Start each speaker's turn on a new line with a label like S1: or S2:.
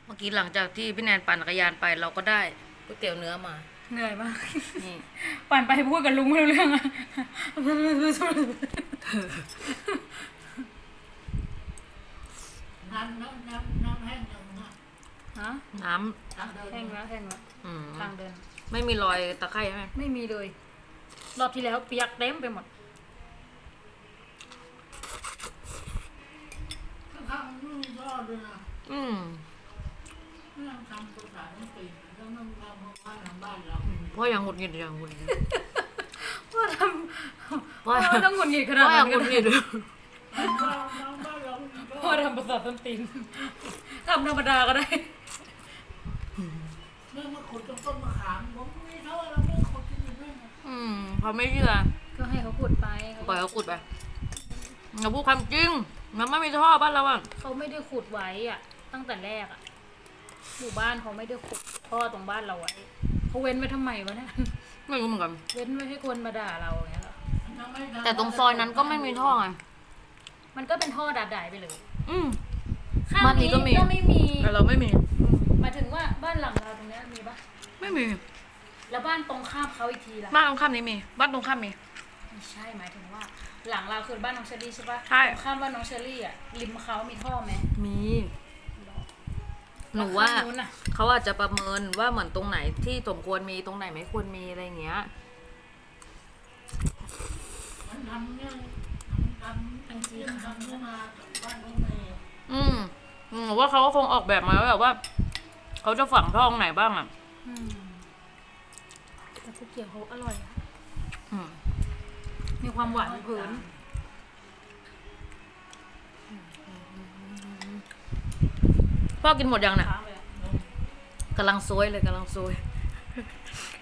S1: เมื่อกี้หลังจากที่พี่แนนปั่นจักรยานไปเราก็ได้ก๋วยเตี๋ยวเนื้อมา
S2: เหนื่อยมาก
S1: นี่
S2: ปั่นไปพูดกับลุงไม่รู้เรื่องอะ
S3: น้ำแห้งยังนะ
S2: ฮะ
S1: น้
S3: ทางเดิน
S2: แห้งแล้วแห้งแล้ว
S1: ำ
S2: ทางเดิน
S1: ไม่มีรอยตะไคร่ใช่ไหม
S2: ไม่มีเลย รอบที่แล้วเปียกเต็มไปหมด
S3: ข้างๆนี่ยอดด้วยนะ
S1: อืม
S3: ไม่ต้องทำตัวสายต้องปีนแล้วต้องทำบ้านทางบ้านเรา
S1: เพราะยังหงุดหงิดอย่างหงุดหงิด
S2: ว่าท
S1: ว่า
S2: ำว่าต้องหงุดหงิดขนาด
S1: ว่ายั
S2: นั้
S1: ง
S2: น
S1: หงุดหงิด
S3: บ้านเรา
S2: ว่าทำประสาทต้นตีนทำธรรมดาก็ได้
S3: เมื่อมาขุดต้นมะขามผมไม่เท่าเราไม่ขุดที่นี่ด้วย
S1: เขาไม่เชื่อ
S2: ก็ให้เขาขุดไป
S1: ปล่อยเขาขุดไปเราพูดความจริงมันไม่มีท่อบ้านเราอ่ะ
S2: เขาไม่ได้ขุดไว้อะตั้งแต่แรกอะหมู่บ้านเขาไม่ได้ขุดท่อตรงบ้านเราไว้เขาเว้นไว้ทำไมวะเนี่ย
S1: ไม่รู้เหมือนกัน
S2: เว้นไว้ให้คนมาด่าเราอย่างเงี้ยเหรอ
S1: แต่ตรงซอยนั้นก็ไม่มีท่อไง
S2: มันก็เป็นท่อด่าๆไปเลย
S1: อืม
S2: ข้าง
S1: บ้านนี้
S2: นี้
S1: ก็มี
S2: ก็ไม่มี
S1: แต่เราไม่มี
S2: หมายถึงว่าบ้านหลังเราตรงเนี้ยมีปะ
S1: ไม่มี
S2: แล้วบ้านตรงข้ามเขาอีกทีล่ะ
S1: บ้านตรงข้ามนี้มีบ้านตรงข้ามมี
S2: ไม่ใช่หมายถึงว่า หลังเราคือบ้านน้องเชอรี่ใช่ปะ
S1: ใช่
S2: ตรงข้ามบ้านน้องเชอรี่อ่ะริมเขามีท่อไหม
S1: มีหนูว่า
S2: แล้วข้งนู้นน่ะ
S1: เขาอาจจะประเมินว่าเหมือนตรงไหนที่สมควรมีตรงไหนไม่ควรมีอะไรอย่างเงี้ย
S3: มันทำเนี่ยทำจริงทำขึ้นมาจากบ้านของเมย์
S1: หนูว่าเขาก็คงออกแบบมาแล้วแบบว่าเขาจะฝังท่อตรงไหนบ้างอ่ะ
S2: อืมแต่ก๋วยเตี๋ยวเขาอร่อยอะ
S1: อืม
S2: มีความหวานเผิน
S1: พ่อกินหมดยังน่ะ
S2: ค้างเลยอะ
S1: กำลังซวยเลยกำลังซวย